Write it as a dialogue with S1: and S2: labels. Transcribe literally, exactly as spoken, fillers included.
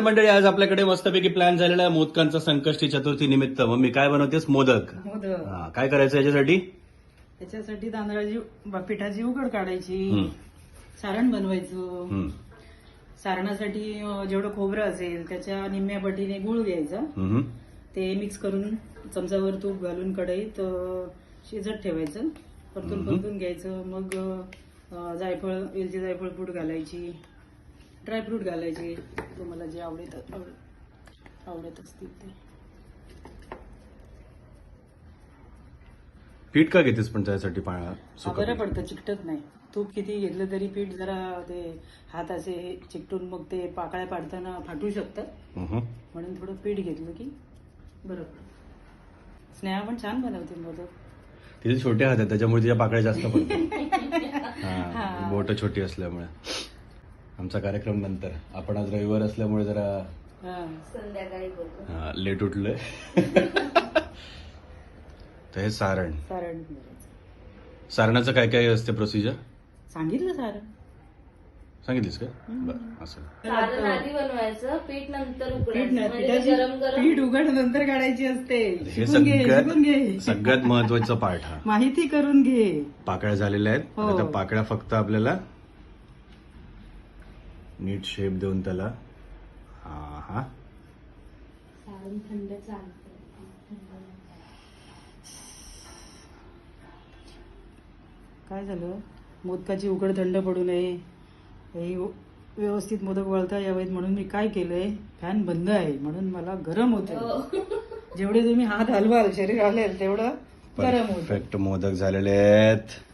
S1: मंडळी, आज आपल्याकडे मस्तपैकी प्लॅन झालेला आहे मोदकांचा संकष्टी चतुर्थी निमित्त. मम्मी काय बनवतेस? मोदक.
S2: मोदक.
S1: हा, काय करायचं याच्यासाठी?
S2: त्याच्यासाठी तांदळाची पिठाची उकड काढायची,
S1: हम्म.
S2: सारण बनवायचं.
S1: हम्म.
S2: सारणासाठी अं, जेवढं खोबरं असेल त्याच्या निम्म्या पटीने गुळ घ्यायचा.
S1: हम्म.
S2: ते मिक्स करून चमचावर तूप घालून कढईत अं, शिजत ठेवायचं. परतून
S1: हम्म.
S2: परतून घ्यायचं. मग अं, जायफळ वेलची जायफळ पूड घालायची, ड्रायफ्रूट घालायचे, तुम्हाला जे आवडत आवड- आवडत असतील ते.
S1: पीठ का घेतेस पण त्यासाठी? पाण्या
S2: हा,
S1: सुकं
S2: बरं
S1: पीठ?
S2: पडतं, चिकटत नाही. तूप किती घेतलं तरी पीठ जरा ते हात असे चिकटून मग ते पाकळ्या पाडताना फाटू शकतात.
S1: हम्म.
S2: म्हणून थोडं पीठ घेतलं की बरं पडतं. स्नेहा पण छान बनवते मोदक.
S1: तिथे छोटे हात आहेत त्याच्यामुळे तिच्या पाकळ्या जास्त पडतात. हा,
S2: हा.
S1: बोट छोटी असल्यामुळे. आमचा कार्यक्रम नंतर. आपण आज रविवार असल्यामुळे जरा
S2: हा.
S3: संध्याकाळी बघू.
S1: हा, लेट उठलोय. तर हे सारण.
S2: सारण करायचं.
S1: सारणाचं काय काय असते प्रोसिजर?
S2: सांगितलं सारण.
S1: सांगितलीस का? बरं, असं.
S3: सारण आधी बनवायचं, पीठ नंतर
S2: पीठ
S3: उकडायचं.
S2: नाही,
S3: म्हणजे
S2: पिठाची
S3: गरम गरम
S2: पीठ उघड नंतर काढायची असते.
S1: हे
S2: शिकून घे, शिकून
S1: सगळ्यात
S2: घे.
S1: सगळ्यात महत्वाचा पार्ट हा.
S2: माहिती करून घे.
S1: पाकळ्या झालेल्या आहेत.
S2: हो.
S1: आता त्या पाकळ्या फक्त आपल्याला नीट शेप देऊन त्याला हा हा
S3: सारण थंड चालतं.
S2: काय झालं, मोदकाची उकड थंड पडू नये, हे व्यवस्थित मोदक वळता यावेत म्हणून मी काय केलंय, फॅन बंद आहे म्हणून मला गरम होत. जेवढे तुम्ही हात हलवाल शरीर हलेल तेवढं गरम होत.
S1: परफेक्ट मोदक झालेले आहेत.